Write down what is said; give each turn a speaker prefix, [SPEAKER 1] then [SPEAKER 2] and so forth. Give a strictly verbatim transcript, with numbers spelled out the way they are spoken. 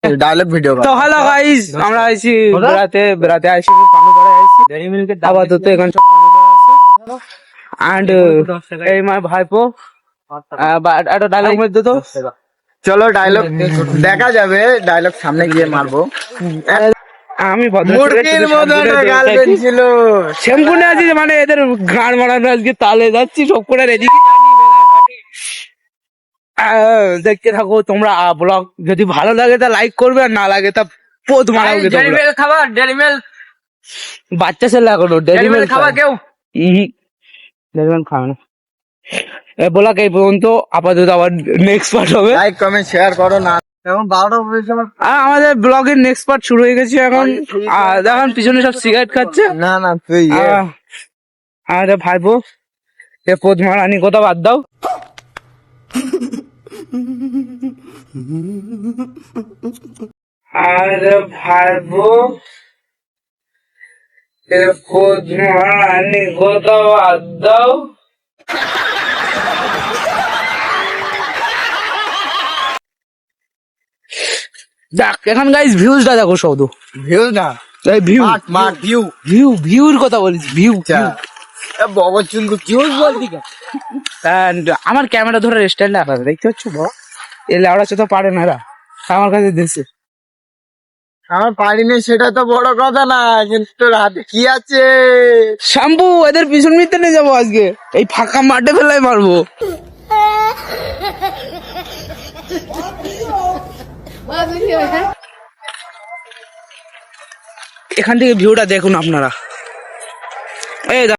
[SPEAKER 1] Dialogue video
[SPEAKER 2] তো hello guys, আমরা আইছি বেড়াতে বেড়াতে আইছি পানুপাড়ায় আইছি ডেইরি মিল্কের আপাতত এখানে সব পানুপাড়া আছে এন্ড এই মাই ভাইপো একটা ডায়লগ মেরে দে তো।
[SPEAKER 1] চলো ডায়লগ দেখা যাবে, ডায়লগ সামনে গিয়ে মারবো।
[SPEAKER 2] আমি
[SPEAKER 1] মুরগির মতন গার্লফ্রেন্ড ছিল,
[SPEAKER 2] শ্যাম্পুনে আছি মানে এদের গান মারানো আজকে তালে যাচ্ছি সব করে রেডি। দেখতে থাকো তোমরা ব্লগ, যদি ভালো লাগে তা লাইক করবে আর না লাগে তা পোদ মারা হবে।
[SPEAKER 3] ডেইরি মিল্ক খাবা? ডেইরি মিল্ক
[SPEAKER 2] বাচ্চা ছেলে এখনো ডেইরি মিল্ক
[SPEAKER 3] খাবা কেউ?
[SPEAKER 2] ডেইরি মিল্ক খাবে না। এ ব্লগ এই পর্যন্ত, আপাতত আবার নেক্সট পার্ট হবে।
[SPEAKER 1] লাইক কমেন্ট শেয়ার করো না। এখন বারোটা বলেছে আমার।
[SPEAKER 2] আর আমাদের ব্লগের নেক্সট পার্ট শুরু হয়ে গেছে এখন। আর দেখুন পিছনে সব সিগারেট খাচ্ছে।
[SPEAKER 1] না না তুই
[SPEAKER 2] আরে ভাইপো এ পোদ মারানি কথা বাদ দাও। আরে ভাইপো এ পোদ মারানি কথা বাদ দাও। দেখ এখন গাইস ভিউজটা দেখো শুধু
[SPEAKER 1] ভিউ না,
[SPEAKER 2] এই view
[SPEAKER 1] mark mark view.
[SPEAKER 2] View ভিউর কথা বলিস ভিউ।
[SPEAKER 1] বগর চুনকু ভিউ বলতি কেন?
[SPEAKER 2] And আমার ক্যামেরা ধরে স্ট্যান্ড আলাদা দেখতে পাচ্ছ বড়, এ লেওড়া তো পারে না এরা, আমার কাছে দিচ্ছে।
[SPEAKER 1] আমার পারি না সেটা তো বড় কথা না, কিন্তু তোর হাতে কি আছে?
[SPEAKER 2] শ্যাম্পু এদের পিছন মিটতে নিয়ে যাবো আজকে, এই ফাঁকা মাঠে ফেলাই মারবো। এখান থেকে ভিউটা দেখুন আপনারা। এই